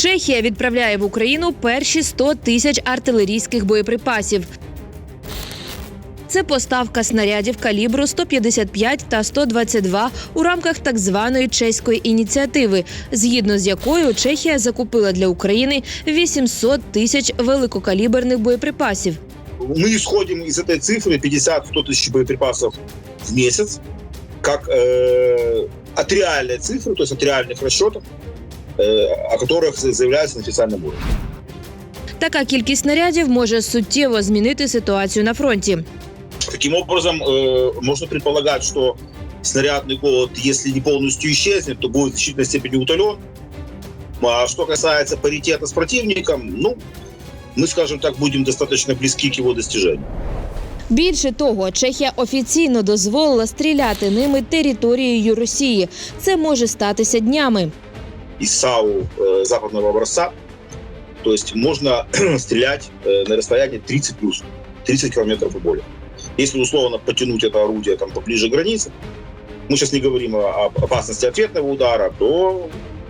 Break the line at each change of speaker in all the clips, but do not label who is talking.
Чехія відправляє в Україну перші 100 тисяч артилерійських боєприпасів. Це поставка снарядів калібру 155 та 122 у рамках так званої чеської ініціативи, згідно з якою Чехія закупила для України 800 тисяч великокаліберних боєприпасів.
Мы исходим из этой цифры 50-100 тысяч боеприпасов в месяц, как от реальной цифры, то есть от реальных расчетов, о которых заявляется на официальном уровне.
Така кількість снарядів може суттєво змінити ситуацію на фронті.
Таким образом, можно предполагать, что снарядный голод, если не полностью исчезнет, то будет в значительной степени утолен. А что касается паритета с противником, мы, скажем так, будем достаточно близки к его достижению.
Більше того, Чехія офіційно дозволила стріляти ними територією Росії. Це може статися днями.
Из САУ западного образца, то есть можно стрелять на расстоянии 30 километров и более. Если условно потянуть это орудие поближе к границе, мы сейчас не говорим о опасности ответного удара, то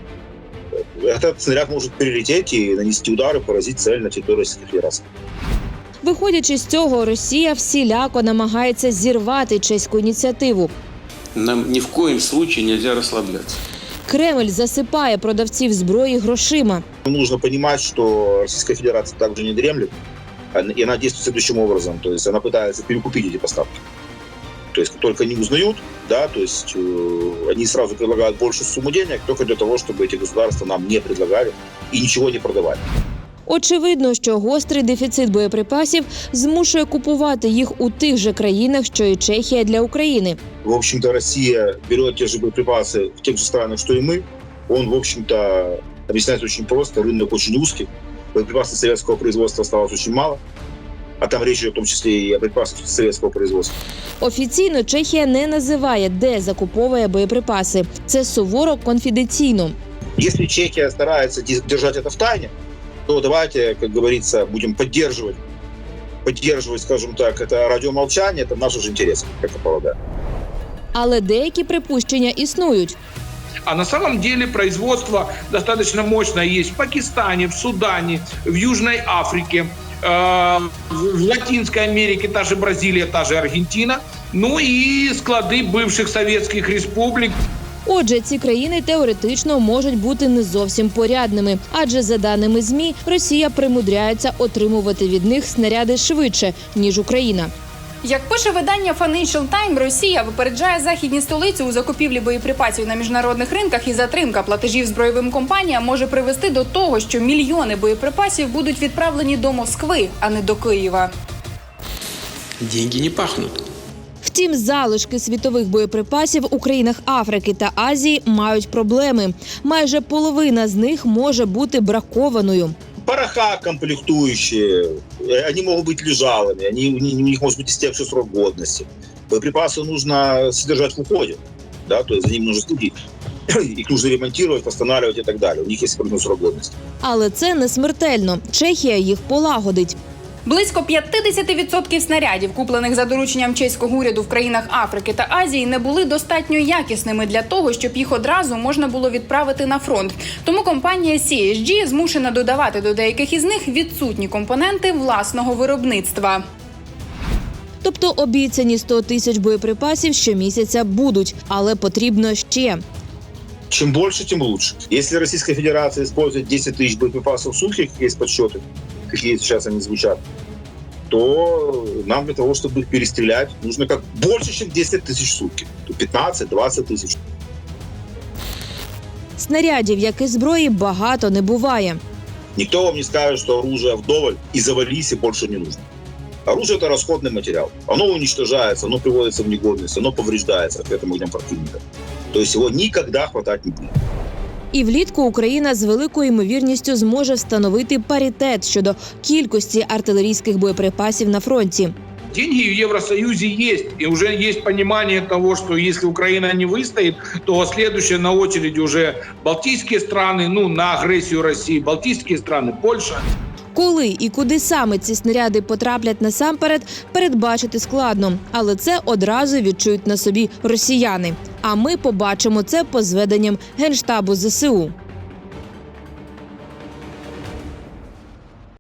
этот снаряд может перелететь и нанести удар и поразить цель на территории Российской Федерации.
Виходячи з цього, Росія всіляко намагається зірвати чеську ініціативу.
Нам ні в коїм случае нельзя розслаблятися.
Кремль засипає продавців зброї грошима.
Нужно понимать, что Российская Федерация также не дремлет, и она действует следующим образом. То есть она пытается перекупить эти поставки. То есть как только они узнают, то есть они сразу предлагают большую сумму денег, только для того, чтобы эти государства нам не предлагали и ничего не продавали.
Очевидно, що гострий дефіцит боєприпасів змушує купувати їх у тих же країнах, що і Чехія для України.
В общем-то, Россия берет те же боеприпасы в тех же странах, что и мы. Он, в общем-то, объясняется очень просто. Рынок очень узкий. Боеприпасов советского производства осталось очень мало. А там речь идет в том числе и о припасах советского производства.
Офіційно Чехія не називає, де закуповує боєприпаси. Це суворо конфіденційно.
Если Чехия старается держать это в тайне, то давайте, как говорится, будем поддерживать, скажем так, это радиомолчание, это в наших же интересах, как я полагаю.
Але деякі припущення існують.
А на самом деле производство достаточно мощное есть в Пакистане, в Судане, в Южной Африке, в Латинской Америке, та же Бразилия, та же Аргентина, ну и склады бывших советских республик.
Отже, ці країни теоретично можуть бути не зовсім порядними, адже за даними ЗМІ, Росія примудряється отримувати від них снаряди швидше, ніж Україна.
Як пише видання Financial Times, Росія випереджає західні столиці у закупівлі боєприпасів на міжнародних ринках, і затримка платежів збройовим компаніям може привести до того, що мільйони боєприпасів будуть відправлені до Москви, а не до Києва.
Деньги не пахнуть.
Втім, залишки світових боєприпасів у країнах Африки та Азії мають проблеми. Майже половина з них може бути бракованою.
Пороха комплектующие, они могут быть лежалыми, у них может быть истекший срок годности. Боеприпасы нужно содержать в уходе, то есть за ними нужно следить. Их нужно ремонтировать, восстанавливать и так далее. У них есть определенный срок годности.
Але це не смертельно. Чехія їх полагодить.
Близько 50% снарядів, куплених за дорученням чеського уряду в країнах Африки та Азії, не були достатньо якісними для того, щоб їх одразу можна було відправити на фронт. Тому компанія CSG змушена додавати до деяких із них відсутні компоненти власного виробництва.
Тобто обіцяні 100 тисяч боєприпасів щомісяця будуть, але потрібно ще.
Чем больше, тем лучше. Если Российская Федерация использует 10 тысяч боеприпасов в сутки, как есть подсчеты, какие сейчас они звучат, то нам для того, чтобы их перестрелять, нужно как больше, чем 10 тысяч в сутки. 15-20 тысяч.
Снарядів, як і зброї, багато не буває.
Никто вам не скажет, что оружие вдоволь и завались, и больше не нужно. Оружие – это расходный материал. Оно уничтожается, оно приводится в негодность, оно повреждается ответным огнем противника. То есть его никогда хватать не будет.
І влітку Україна з великою ймовірністю зможе встановити паритет щодо кількості артилерійських боєприпасів на фронті.
Деньги в Евросоюзе есть, и уже есть понимание того, что если Украина не выстоит, то следующее на очереди уже Балтийские страны, на агрессию России, Балтийские страны, Польша.
Коли і куди саме ці снаряди потраплять насамперед, передбачити складно. Але це одразу відчують на собі росіяни. А ми побачимо це по зведенням Генштабу ЗСУ.